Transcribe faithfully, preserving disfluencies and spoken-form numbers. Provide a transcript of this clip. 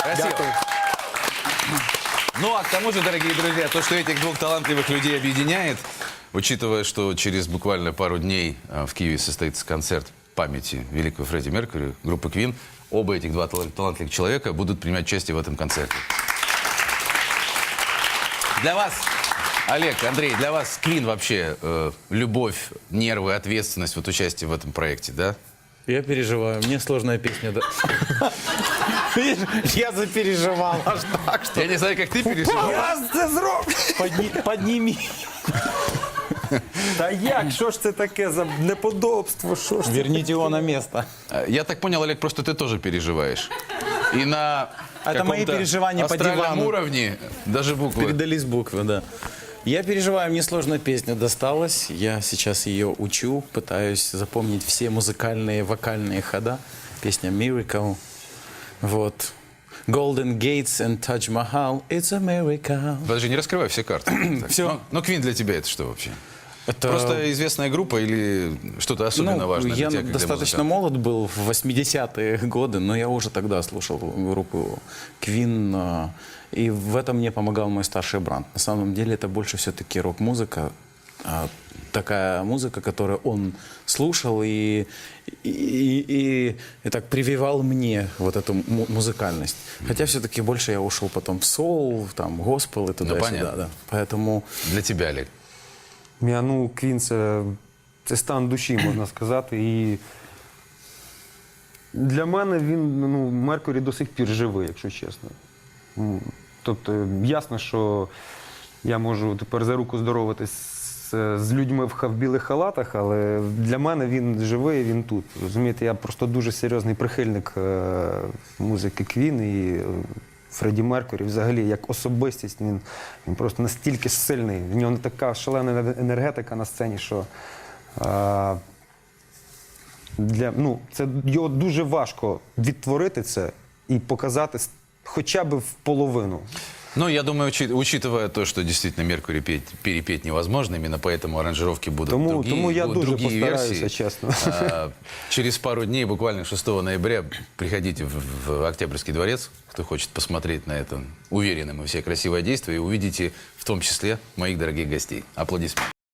Красиво. Дякую. Ну, а к тому же, дорогие друзья, то, что этих двух талантливых людей объединяет, учитывая, что через буквально пару дней а, в Киеве состоится концерт памяти великого Фредди Меркьюри, группы Queen, оба этих два тал- талантливых человека будут принимать участие в этом концерте. Для вас, Олег, Андрей, для вас Queen вообще э, любовь, нервы, ответственность, вот участие в этом проекте, да? Я переживаю, мне сложная песня. Да. Видишь, я запереживал аж так, что... Я не знаю, как ты переживал. Подни- Подними. Та як? Що ж це таке за неподобство? Що ж це? Верните его на место. А, Я так понял, Олег, просто ты тоже переживаешь. И на Это мои каком-то переживания по астральном дивану. уровне даже буквы. Передались буквы, да. Я переживаю, мне сложная песня досталась. Я сейчас ее учу, пытаюсь запомнить все музыкальные, вокальные хода. Песня Miracle. Вот. Golden Gates and Taj Mahal. It's a miracle. Подожди, не раскрывай все карты. Так, Всё. Но, но Queen для тебя это что вообще? Это... Просто известная группа или что-то особенно Ну, важное я для тебя, как для достаточно музыканта? молод был в восьмидесятые годы, но я уже тогда слушал группу Queen, а, и в этом мне помогал мой старший брат. На самом деле это больше все-таки рок-музыка, а, такая музыка, которую он слушал и, и, и, и так прививал мне вот эту му- музыкальность. Хотя все-таки больше я ушел потом в соул, там, госпел и туда-сюда. понятно. Да. Поэтому... Для тебя, Олег. Я, ну, Квін це, це стан душі, можна сказати. І для мене він, ну, Меркурі до сих пір живий, якщо чесно. Ну, тобто, ясно, що я можу тепер за руку здороватись з, з людьми в, ха- в білих халатах, але для мене він живий, він тут. Розумієте, я просто дуже серйозний прихильник е, музики Квін і е, Фредді Меркурі, взагалі, як особистість, він, він просто настільки сильний. В нього така шалена енергетика на сцені, що е, для, ну, це, його дуже важко відтворити це і показати с- хоча б в половину. Ну, я думаю, учи- учитывая то, что действительно Меркурий петь- перепеть невозможно, именно поэтому аранжировки будут Тому- другие, тому я будут дуже другие постараюся, версии. чесно. А, Через пару дней, буквально шестого ноября, приходите в, в Октябрьский дворец, кто хочет посмотреть на это, уверены мы, все красивое действие, и увидите в том числе моих дорогих гостей. Аплодисменты.